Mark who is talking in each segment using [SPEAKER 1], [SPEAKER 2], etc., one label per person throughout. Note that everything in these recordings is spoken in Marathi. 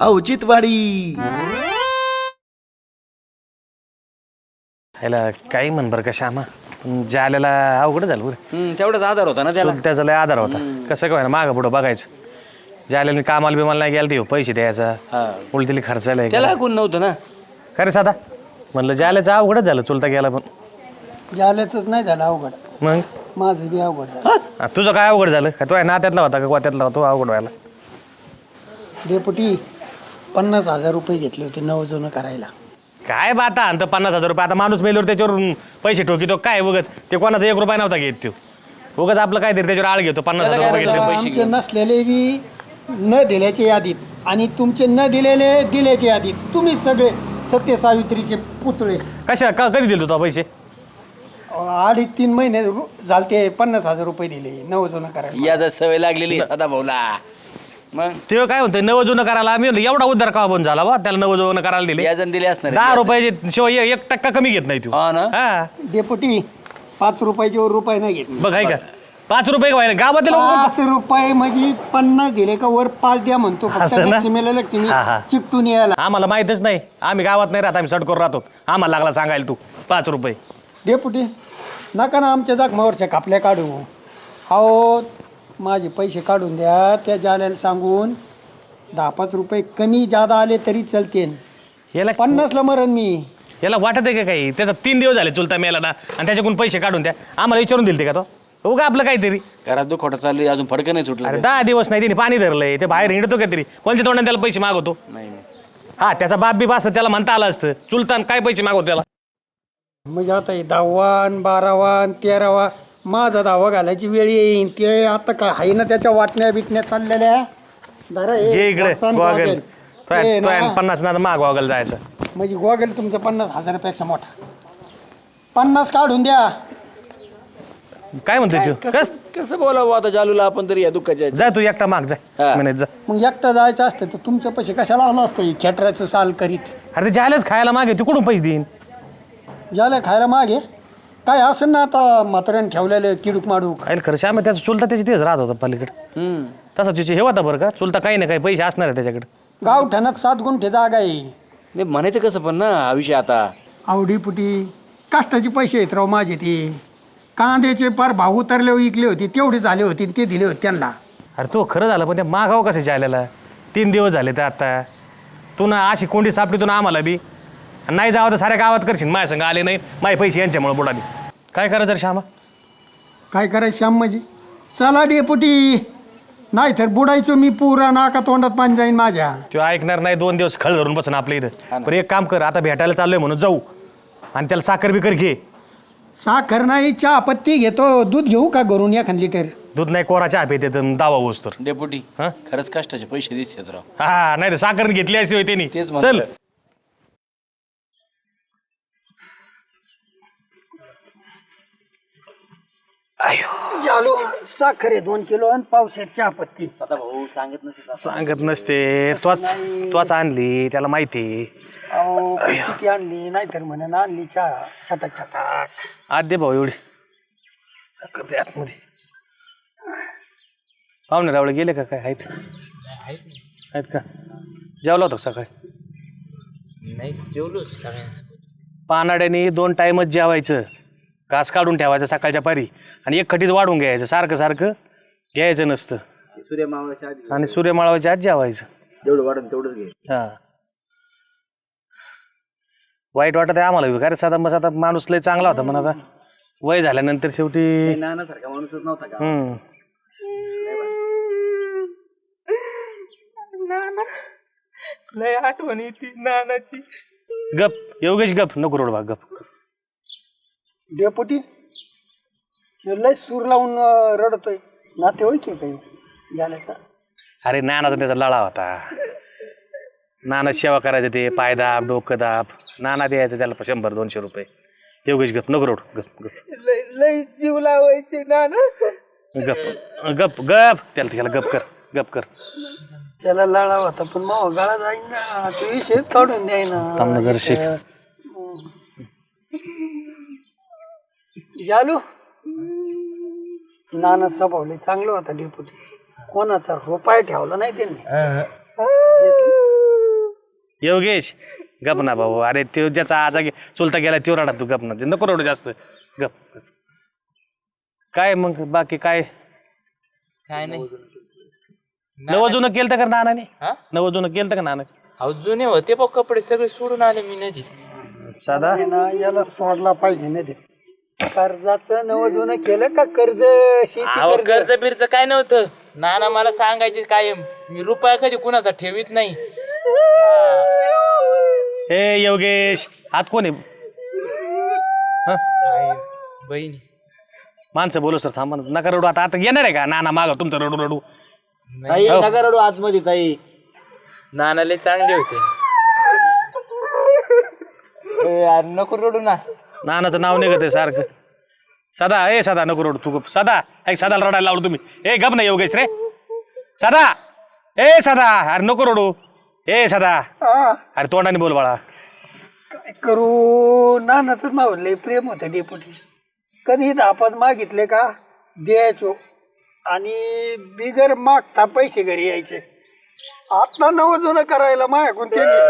[SPEAKER 1] औचित्यवाडी.
[SPEAKER 2] ह्याला काही म्हण बरं का श्यामा, पण जाल्याला अवघड झालं बरं.
[SPEAKER 3] तेवढाच आधार होता ना त्याला.
[SPEAKER 2] त्याचा लय आधार होता. कसं काय ना मागं पुढं बघायचं. जाल्याने कामाला बिमाला नाही गेला ते पैसे द्यायचा, उलटीली खर्चायला
[SPEAKER 3] त्याला कोण नव्हतं ना.
[SPEAKER 2] खरे साधा म्हणलं जाल्याचं अवघडच झालं, चुलता गेला पण.
[SPEAKER 4] झाल्याच नाही झालं अवघड,
[SPEAKER 2] मग
[SPEAKER 4] माझं बी अवघड झालं.
[SPEAKER 2] तुझं काय अवघड झालं का? तो नात्यातला होता का गोत्यातला होता? तो अवघड व्हायला.
[SPEAKER 4] डेपुटी 50,000 रुपये घेतले होते नवजोनं करायला.
[SPEAKER 2] काय बाता आणतं 50,000 रुपये. आता माणूस मेल्यावर त्याच्यावर पैसे ठोकितो काय उगत? ते कोणाचा 1 रुपया नव्हता घेत तो. उगत आपलं काय तरी त्याच्यावर आळ घेतो. 50,000 रुपये घेतले.
[SPEAKER 4] आमचे नसलेले बी न दिल्याच्या यादीत आणि तुमचे न दिलेले दिल्याच्या यादीत. तुम्ही सगळे सत्य सावित्रीचे पुतळे.
[SPEAKER 2] कधी दिले तो पैसे?
[SPEAKER 4] 2.5-3 महिने झालते. 50,000 रुपये दिले नवजोनं करायला.
[SPEAKER 3] याचा सवय लागलेली सदा भाऊला. मग
[SPEAKER 2] ते काय म्हणते नवजुनं करायला. आम्ही एवढा उद्धार का बंद झाला बा? त्याला नवजुनं करायला दिले.
[SPEAKER 3] याजन दिले असणार
[SPEAKER 2] 10 रुपयाचे शिवाय 1% कमी घेत नाही तू.
[SPEAKER 3] ना.
[SPEAKER 4] डेपुटी 5 रुपयाचे वर रुपये नाही घेतले.
[SPEAKER 2] बघ आहे का 5 रुपये व्हायला गावातील
[SPEAKER 4] 5 रुपये म्हणजे 50 दिले का वर 5 द्या म्हणतो. फक्त
[SPEAKER 2] असं ना?
[SPEAKER 4] लक्ष्मीला लक्ष्मी
[SPEAKER 2] हा.
[SPEAKER 4] चिपटून यायला.
[SPEAKER 2] आम्हाला माहितच नाही. आम्ही गावात नाही राहत. आम्ही सटकोर राहतो. आम्हाला लागला सांगायला तू 5 रुपये.
[SPEAKER 4] डेपुटी नका ना आमच्या जखमावरच्या कापल्या काढू. अहो माझे पैसे काढून द्या. त्या जाल्याला सांगून 10-5 रुपये कमी जादा आले तरी चलते.
[SPEAKER 2] याला
[SPEAKER 4] 50ला मरण मी.
[SPEAKER 2] याला वाटत आहे का काही? त्याचा 3 दिवस झाले चुलता मेला ना, आणि त्याच्याकडून पैसे काढून द्या. आम्हाला विचारून दिलते का तो? हो का आपलं काहीतरी.
[SPEAKER 3] घरात तो खोटा चालू अजून फडकं नाही सुटलं.
[SPEAKER 2] अरे 10 दिवस नाही त्याने पाणी धरलंय. ते बाहेर हिंडतो का तरी? कोणत्या तोंडाने त्याला पैसे मागवतो?
[SPEAKER 3] नाही नाही.
[SPEAKER 2] हा त्याचा बाप बी असं त्याला म्हणता आलं असतं. चुलतान काय पैसे मागवतो त्याला?
[SPEAKER 4] म्हणजे आता 10वा 12वा 13वा माझा 10वा घालायची वेळ येईन. ते आता काय आहे ना त्याच्या वाटण्या बिटण्या चाललेल्या. धरा हे
[SPEAKER 2] ये इकडे
[SPEAKER 4] बघतान
[SPEAKER 2] गॉगल.
[SPEAKER 4] गॉगल. ते ना,
[SPEAKER 2] 50 ना माग गॉगल जायचं.
[SPEAKER 4] म्हणजे गॉगल तुमचा 50,000 मोठा. 50 काढून द्या.
[SPEAKER 2] काय म्हणतोय तू?
[SPEAKER 3] कसं बोलावं आता जालूला आपण तरी या दुःखाच्या.
[SPEAKER 2] जा तू एकटा माग जा.
[SPEAKER 3] हा.
[SPEAKER 2] म्हणे जा.
[SPEAKER 4] मग एकटं जायचं असतं तर तुमच्या पैसे कशाला आला असतो? खेटराचं साल करीत
[SPEAKER 2] अरे ते जायलाच खायला मागे तू कुठून पैसे देईन?
[SPEAKER 4] ज्याला खायला मागे काय असेल ना आता म्हाताऱ्याने ठेवलेलं किडूक माडूक.
[SPEAKER 2] आईल खरं श्याम त्याचा चुलता त्याची तेच राहत होता पलीकडे. तसा तिचे हे होता बरं का चुलता काही ना काही पैसे असणार आहे त्याच्याकडे.
[SPEAKER 4] गावठाणात 7 गुंठे जागा आहे.
[SPEAKER 3] नाही म्हणायचं कसं पण ना हा विषय आता.
[SPEAKER 4] आवडीपुटी कष्टाचे पैसे आहेत राव माझे. ते कांद्याचे पार भाव उतरले विकले होते तेवढे झाले होते ते दिले होते त्यांना.
[SPEAKER 2] अरे तो खरं झालं पण ते मागावं कसं जायला? 3 दिवस झाले तर आता तू ना अशी कोंडी सापडी तू ना आम्हाला बी नाही जावं तर साऱ्या गावात करशील. माझ्या संग आले नाही माझे पैसे यांच्यामुळे बुडाले. काय करायचं रे श्यामा?
[SPEAKER 4] काय करायचं श्याम म्हणजे? चला डेपुटी नाही तर बुडायचो मी पुरा नाका तोंडात पाणी जाईन माझ्या.
[SPEAKER 2] तो ऐकणार नाही. 2 दिवस खळ धरून बसन आपल्या इथं. पण एक काम कर आता भेटायला चाललोय म्हणून जाऊ आणि त्याला साखर बिकर घे.
[SPEAKER 4] साखर नाही चहा पत्ती घेतो. दूध घेऊ का घरून 1 लिटर?
[SPEAKER 2] दूध नाही कोरा चहा पिते दावा होस तर.
[SPEAKER 3] डेपुटी
[SPEAKER 2] हा?
[SPEAKER 3] खरंच कष्टाचे पैसे दिसतात राव.
[SPEAKER 2] हा नाही तर साखर घेतली अशी होती त्यांनी.
[SPEAKER 3] तेच
[SPEAKER 2] चल
[SPEAKER 3] म्हणतो.
[SPEAKER 4] चालू साखर आहे 2 किलो आणि पावशेर चहा पत्ती.
[SPEAKER 3] आता भाऊ सांगत नसेल.
[SPEAKER 2] सांगत नसते. त्वाच आणली त्याला माहिती.
[SPEAKER 4] अहो किती आणली नाही तर म्हणून आणली चहा छटाक छटाक.
[SPEAKER 2] आद्य भाऊ एवढी करते आतमध्ये. पाहुणे रावळे गेले का काय? आहेत का? जेवला होता सकाळी?
[SPEAKER 5] नाही जेवलो सगळ्यांसोबत.
[SPEAKER 2] पानाड्याने 2 टाइमच जेवायचं. घास काढून ठेवायचं सकाळच्या पारी आणि एक खटीच वाढून घ्यायचं. सारखं सारखं घ्यायचं नसतं.
[SPEAKER 3] सूर्य मावळाच्या आधी
[SPEAKER 2] आणि सूर्यमाळाच्या आत जेवायचं.
[SPEAKER 3] जेवढं वाढून तेवढंच घे.
[SPEAKER 2] हा वाईट वाटत आहे आम्हाला. अरे साधा बस आता माणूस लय चांगला होता पण आता वय झाल्यानंतर शेवटी.
[SPEAKER 3] नानासारखा माणूसच नव्हता का?
[SPEAKER 5] लय आठवण येते नानाची.
[SPEAKER 2] गप योगेश गप नको रोड भाग गप.
[SPEAKER 4] डेपुटी लय सूर लावून रडतोय. नाते होय की काही झाल्याचा?
[SPEAKER 2] अरे नानाचा त्याचा लळा होता. नाना सेवा करायचं ते पाय दाब डोकं दाब. नाना द्यायचं त्याला 100-200 रुपये. योगेश गप नको रोड गप गप
[SPEAKER 5] लय जीव लावायचे नाना.
[SPEAKER 2] गप गप गप त्याला गप कर.
[SPEAKER 4] त्याला लळा होता पण मग गळा जाईन ना. ते विषयच काढून द्याय ना.
[SPEAKER 2] थांबनगर शिक.
[SPEAKER 4] जालू नाना स्वभाव लय चांगलं होता डेपुटी. कोणाचा रुपया ठेवला नाही त्यांनी.
[SPEAKER 2] योगेश गप ना भाऊ. अरे तो ज्याचा आजा चुलता गेला तो रडा तू गप ना. ते नको रडू जास्त. गप. काय मग बाकी काय
[SPEAKER 5] काय नाही
[SPEAKER 2] नवजून केलं तर का नानाने?
[SPEAKER 5] हा
[SPEAKER 2] नवजून केलं का नाना?
[SPEAKER 5] अहो जुने होते बघ कपडे सगळे सोडून आले मी नदीत.
[SPEAKER 2] साधा
[SPEAKER 4] हे ना याला सोडला पाहिजे ना ते कर्जाचं नवजून केलं का कर्ज शेती
[SPEAKER 5] अहो
[SPEAKER 4] कर्ज
[SPEAKER 5] कर्ज बिर्ज काय नव्हतं. नाना मला सांगायचे कायम मी रुपया कधी कुणाचा ठेवीत नाही.
[SPEAKER 2] हे योगेश हात कोण आहे? हं?
[SPEAKER 5] आहे, बहिणी
[SPEAKER 2] माणसं बोलू सर थांबा ना. नका रडू. आता आता येणार आहे का नाना माग तुमचं रडू रडू?
[SPEAKER 3] ताई नका रडू आतमध्ये ताई.
[SPEAKER 5] नाना लय चांगले होते. यार नको रडू ना.
[SPEAKER 2] नानाचं नाव निघत आहे सारखं. सदा ए सदा नको रडू तू गप. सदा ऐक सदाला रडायला लावलं तुम्ही. ए गप ना योगेश रे. सदा ए सदा अरे नको रडू. ए सदा
[SPEAKER 4] हा,
[SPEAKER 2] अरे तोंडाने बोल बाळा.
[SPEAKER 4] काय करू नानाचं नाव लय प्रेम होतं डेपुटी. कधी दापात मागितले का द्यायचो आणि बिगर मागता पैसे घरी यायचे. आता नवजून करायला माझ्याकडून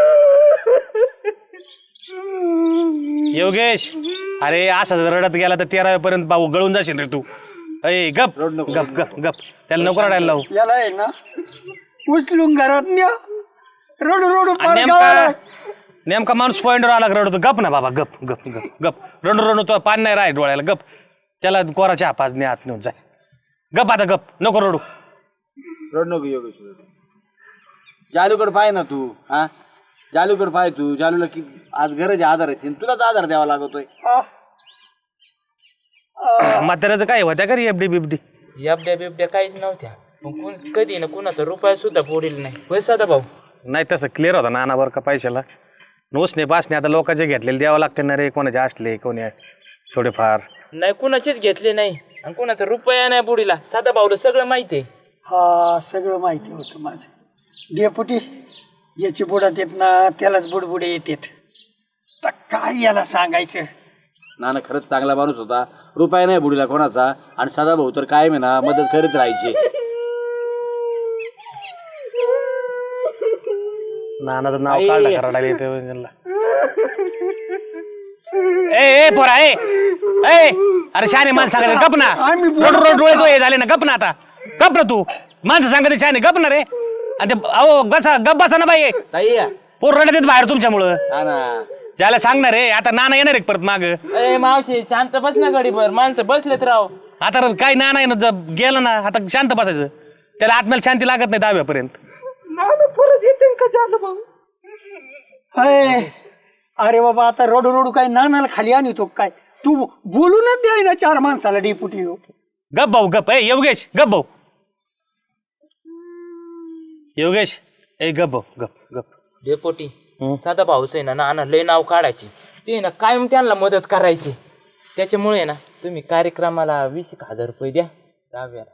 [SPEAKER 2] योगेश अरे असं जर रडत गेला तर 13 पर्यंत भाऊ गळून जाशील रे तू. ए गप गप गप गप. त्याला नको रडायला लावू.
[SPEAKER 4] याला आहे ना उचलून घरात न्या रडू रडू
[SPEAKER 2] आणि
[SPEAKER 4] पार
[SPEAKER 2] नेमका
[SPEAKER 4] गावाला.
[SPEAKER 2] नेमका माणूस पॉईंटवर आला का रडतो. गप ना बाबा गप गप गप गप. रडू रडू तो पाणी नाही राह डोळ्याला. गप. त्याला कोराच्या हापाजने आत नेऊन जाय. गप आता गप नको रडू.
[SPEAKER 3] रड नको योगेश. जालूकडे पाय ना तू. हा जालूकडे पाय तू. जालूला की आज गरज आहे आधाराची आणि तुलाच आधार द्यावा लागतोय.
[SPEAKER 2] म्हाताऱ्याचं काय होत्या का रे एफडी बिबडी?
[SPEAKER 5] एफड्या बिबड्या काहीच नव्हत्या. पण कधी ना कुणाचा रुपया सुद्धा फोडील नाही. होय साधा भाऊ.
[SPEAKER 2] नाही तसं क्लिअर होता नाना बरं का पैशाला. नोसने पासने आता लोकांचे घेतलेले द्यावं लागते ना रे. कोणाचे असले कोणी थोडेफार.
[SPEAKER 5] नाही कुणाचेच घेतले नाही आणि कुणाचा रुपया नाही बुडीला. साधा भाऊला सगळं माहिती आहे.
[SPEAKER 4] हा सगळं माहिती होतं माझं. डेपुटी याची बुडात येत ना त्यालाच बुडबुडे येतात. तर काय याला सांगायचं.
[SPEAKER 3] नाना खरंच चांगला माणूस होता. रुपया नाही बुडीला कोणाचा. आणि सदा भाऊ तर कायम आहे ना मदत करीत राहायची.
[SPEAKER 2] नानाचं नाव काढलं का रडायला येते. ए पोरा ए ए अरे शाने माणसं सांगायचं गप ना. रोड रोड डोळे तो हे झाले ना. गप ना आता. गप ना तू. माणसं सांगते शाने गप ना रे. आणि ते अहो गसा गप बसा ना बाई.
[SPEAKER 3] ताई
[SPEAKER 2] पोर रडत येत बाहेर तुमच्यामुळं.
[SPEAKER 3] हा ना
[SPEAKER 2] ज्याला सांगणार रे आता नाना येणार आहे परत माग.
[SPEAKER 5] ए मावशी शांत बस ना गडीभर. माणसं बसलेत राव.
[SPEAKER 2] आता काही नाना आहे ना गेलं ना आता शांत बसायचं. त्याला आत्म्याला शांती लागत नाही दहाव्यापर्यंत.
[SPEAKER 4] परत येते का झालं भाऊ. अरे बाबा आता रडू रडू काय नानाला खाली आणतो काय. तू बोलूनच द्याय ना 4 माणसाला डेपुटी.
[SPEAKER 2] गप भाऊ गप. ए योगेश गप भाऊ. योगेश ए गप भाऊ गप गप.
[SPEAKER 5] डेपोटी साधा भाऊच आहे ना नाना लय नाव काढायचे. ते ना कायम त्यांना मदत करायची. त्याच्यामुळे ना तुम्ही कार्यक्रमाला 20,000 रुपये द्या. दहाव्याला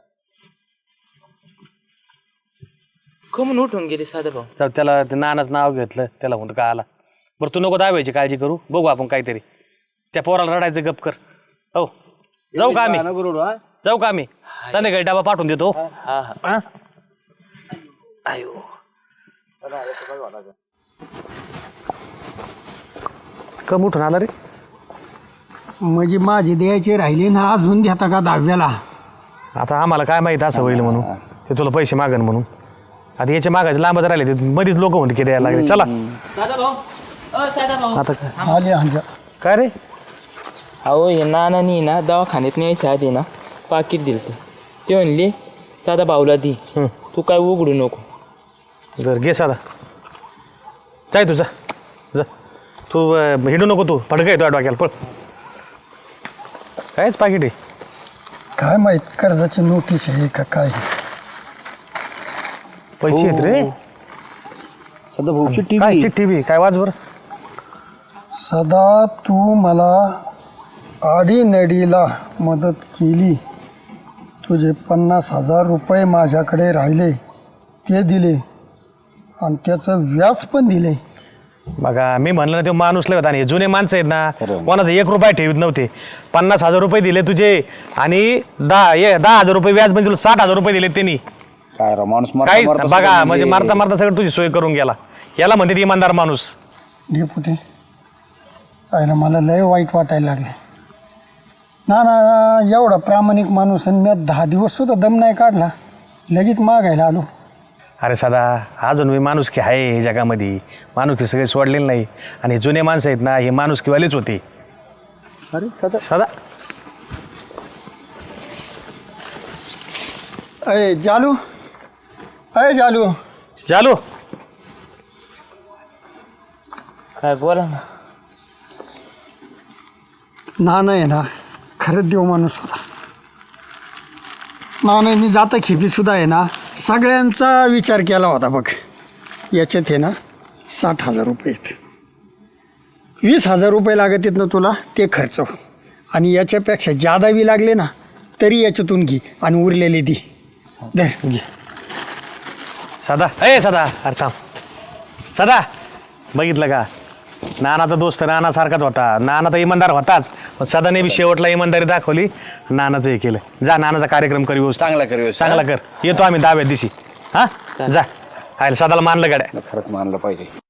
[SPEAKER 5] कमून उठून गेले साधा भाऊ.
[SPEAKER 2] चल त्याला ते नानाचं नाव घेतलं त्याला म्हणतो काय आला. बरं तू नको दाबायची काळजी करू. बघू आपण काहीतरी. त्या पोराला रडायचं गप कर. हो जाऊ का आम्ही?
[SPEAKER 3] नको रडू. हा
[SPEAKER 2] जाऊ का आम्ही? संध्याकाळी डबा पाठवून देतो.
[SPEAKER 5] हा हा
[SPEAKER 2] हा? आयो कम उठून आला रे.
[SPEAKER 4] म्हणजे माझे द्यायचे राहिले ना अजून देता का 10व्याला.
[SPEAKER 2] आता आम्हाला काय माहित असं होईल म्हणून. ते तुला पैसे मागन म्हणून. आता याचे मागायचे लांबच राहिले ते मध्येच लोक म्हणते की द्यायला लागले. चला
[SPEAKER 5] साधा भाऊ. साधा भाऊ.
[SPEAKER 2] आता काय
[SPEAKER 4] आले आमच्या.
[SPEAKER 2] काय रे?
[SPEAKER 5] अहो हे नानानी ना दवाखान्यात न्यायच्या आधी ना पाकिट दिलं. ते म्हणले साधा भाऊला दी. तू काय उघडू नको.
[SPEAKER 2] बरं घे साधा. जाय तू जा जा. तू हिंडू नको. तू फडका येतो डोक्याला पळ. कायच पाकिट आहे.
[SPEAKER 4] काय माहित कर्जाची नोटीस आहे का काय.
[SPEAKER 2] पैसे आहेत रे.
[SPEAKER 3] सदा भाऊ
[SPEAKER 2] काय चिठ्ठी बी काय वाच बरं.
[SPEAKER 4] सदा तू मला आडीनडीला मदत केली. तुझे 50,000 रुपये माझ्याकडे राहिले ते दिले आणि त्याचं व्याज पण दिले.
[SPEAKER 2] बघा मी म्हणलं ना ते माणूस लय होता. आणि जुने माणसं आहेत ना कोणाचा 1 रुपया ठेवीत नव्हते. 50,000 रुपये दिले तुझे आणि 10,000 रुपये व्याज म्हणजे तुला 60,000 रुपये दिले त्यांनी.
[SPEAKER 3] काय राव माणूस मरता
[SPEAKER 2] काही
[SPEAKER 3] मरता
[SPEAKER 2] बघा
[SPEAKER 3] सुद्धा
[SPEAKER 2] म्हणजे मारता मारता सगळं तुझी सोय करून गेला. याला म्हणते इमानदार माणूस.
[SPEAKER 4] डेपुटी पाहिलं मला लय वाईट वाटायला लागले. ना एवढा प्रामाणिक माणूस आणि मी 10 दिवस सुद्धा दम नाही काढला, लगेच मागायला आलो.
[SPEAKER 2] अरे सदा अजून मी माणुसकी आहे हे जगामध्ये. माणुसकी सगळे सोडलेली नाही. आणि जुने माणसं आहेत ना हे माणुसकीवालेच होते.
[SPEAKER 4] अरे सदा
[SPEAKER 2] सदा
[SPEAKER 4] अय जालू
[SPEAKER 2] चालू
[SPEAKER 5] काय बोला ना.
[SPEAKER 4] नाना आहे ना खरंच देव माणूस होता. नानांनी जाता खेपी सुद्धा आहे ना सगळ्यांचा विचार केला होता बघ. याच्यात आहे ना 60,000 रुपये आहेत. 20,000 रुपये लागत आहेत ना तुला ते खर्च, आणि याच्यापेक्षा जादा बी लागले ना तरी याच्यातून घे आणि उरलेले दे. धर घे.
[SPEAKER 2] सदा सदा अरे थांब. सदा बघितलं का नानाचा दोस्त नानासारखाच होता. नाना तर इमानदार होताच, पण सदाने बी शेवटला इमानदारी दाखवली. नानाचं हे केलं. जा नानाचा कार्यक्रम कर व्यवस्थित.
[SPEAKER 3] चांगला कर व्यवस्थित.
[SPEAKER 2] चांगला कर. येतो आम्ही 10व्या दिवशी. हां जा. आयला सदाला मानलं गाड्या.
[SPEAKER 3] खरंच मानलं पाहिजे.